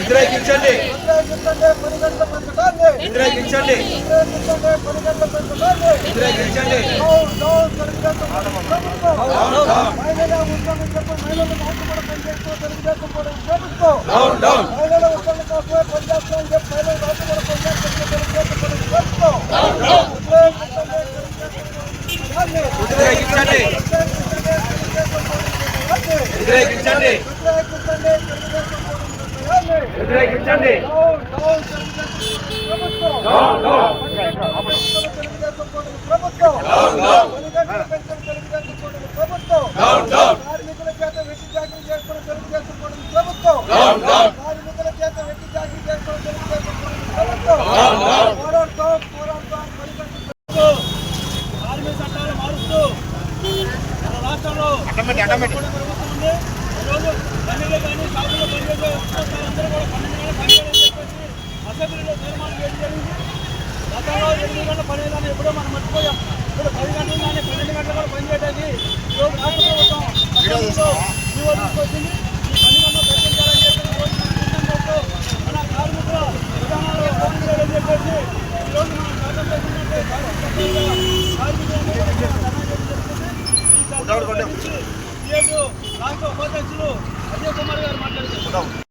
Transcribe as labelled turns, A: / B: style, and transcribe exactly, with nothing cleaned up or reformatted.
A: వ్యతిరేకించండి వ్యతిరేకించండి వ్యతిరేకించండి వ్యతిరేకించండి వ్యతిరేకించండి వ్యతిరేకించండి వ్యతిరేకించండి
B: కార్మికుల చేత వెట్టి చాకరీ చేసుకుని తెలుగుదేశం ప్రభుత్వం కార్మికుల చేత వెట్టి చాకరీ చేసుకుని తెలుగుదేశం ప్రభుత్వం పోరాడతాం పోరాడతాం కార్మిక చట్టాలు మారుస్తూ మన రాష్ట్రంలో జరుగుతుంది. ఈరోజు పన్నెండు కానీ షాపులో పనిచేసే అందరూ కూడా పన్నెండు గంటల పనిచేయాలని చెప్పేసి అసెంబ్లీలో తీర్మానం చేయడం జరిగింది. గతంలో ఎనిమిది గంటల పనిచేయాలని ఎప్పుడో మనం మర్చిపోయాం. ఇప్పుడు పది గంటలు కానీ పన్నెండు గంటలు కూడా పనిచేయడానికి ఈరోజు రాష్ట్ర ప్రభుత్వం అసెంబ్లీలో జీవో తీసుకొచ్చింది. ఈ పని గంటలు తగ్గించాలని చెప్పి ఈరోజు మన కార్మికుల విధానాలు ఫోన్ చేయాలని చెప్పేసి ఈరోజు మనం చట్టం చేసినట్టే కార్మికులందరూ రాష్ట్ర ఉపాధ్యక్షులు అజయ్ కుమార్ గారు మాట్లాడుతున్నారు.